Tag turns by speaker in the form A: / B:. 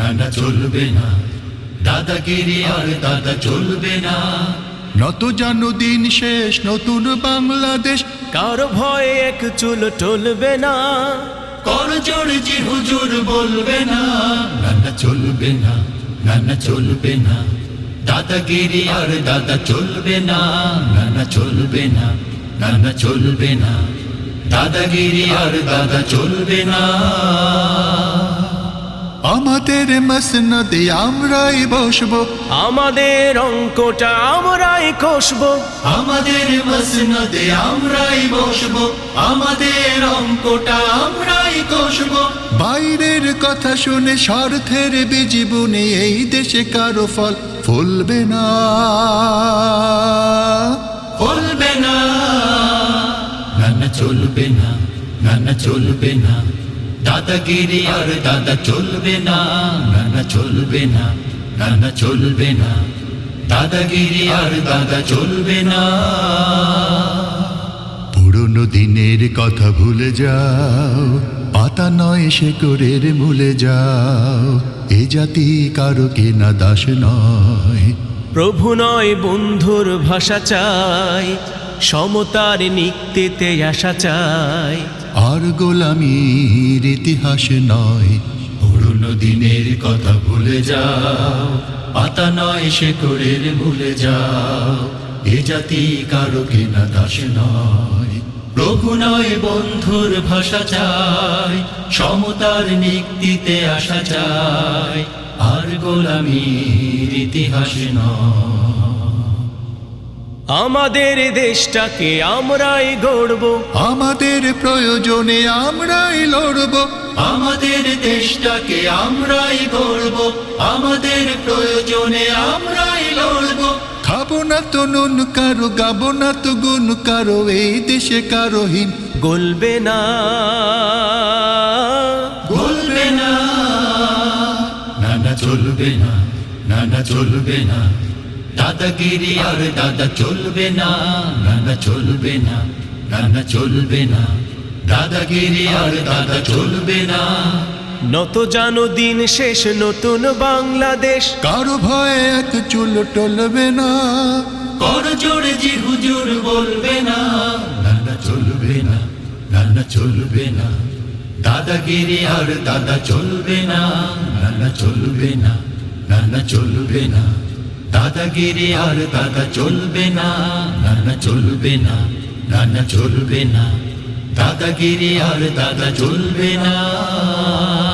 A: না চলবে না, দাদাগিরি আর দাদা চলবে না।
B: নত জানো দিন শেষ, নতুন বাংলাদেশ,
C: কারো ভয়ে এক চুল টলবে না।
A: করজোড় জি হুজুর বলবে না, না চলবে না, না চলবে না, দাদাগিরি আর দাদা চলবে না। না চলবে না, না চলবে না, দাদাগিরি আর দাদা চলবে না।
B: আমাদের মসনদে আমরাই বসবো,
C: আমাদের অঙ্কটা আমরাই কষবো।
A: আমাদের মসনদে আমরাই বসবো, আমাদের অঙ্কটা আমরাই কষবো।
B: বাইরের কথা শুনে স্বার্থের বীজ বুনে এই দেশে কারো ফল ফলবে না,
A: ফলবে না। না চলবে না, না চলবে না, দাদাগিরি আর দাদা চলবে না। না চলবে না, না চলবে না, দাদাগিরি আর দাদা চলবে না।
B: পুরনো দিনের কথা ভুলে যাও, পাতা নয় শেকড়ের মূলে যাও। এ জাতি কারো কেনা দাস নয়,
C: প্রভু নয় বন্ধুর ভাষা চাই, সমতার নিক্তিতে আশা চাই।
B: আর গোলামির ইতিহাস নয়।
A: পুরনো দিনের কথা ভুলে যাও, পাতা নয় শেকড়ের ভুলে যাও। এ জাতি কারো কেনা দাস নয়, প্রভু নয় বন্ধুর ভাষা চাই, সমতার নিক্তিতে আসা চাই। আর গোলামির ইতিহাস নয়।
C: আমাদের দেশটাকে আমরাই গড়বো,
B: আমাদের প্রয়োজনে আমরাই লড়বো,
A: আমাদের দেশটাকে আমরাই গড়বো, আমাদের প্রয়োজনে আমরাই লড়বো।
B: খাবো না তো নুন কারো, গাবো না তো গুণ কারো, এই দেশে কারো হীন
C: গলবে না,
A: বলবে না। না চলবে না, না চলবে না, দাদাগিরি আর দাদা চলবে না। না চলবে না, না চলবে না, দাদাগিরি আর দাদা চলবে না।
C: নত জানো দিন শেষ, নতুন বাংলাদেশ।
B: কারো ভয়ে এক চুল টলবে না,
A: করজোড়ে জি হুজুর বলবে না। না চলবে না, না চলবে না, দাদাগিরি আর দাদা চলবে না। না চলবে না, না চলবে না, দাদাগিরি আর দাদা চলবে না। না চলবে না, না চলবে না, দাদাগিরি আর দাদা চলবে না।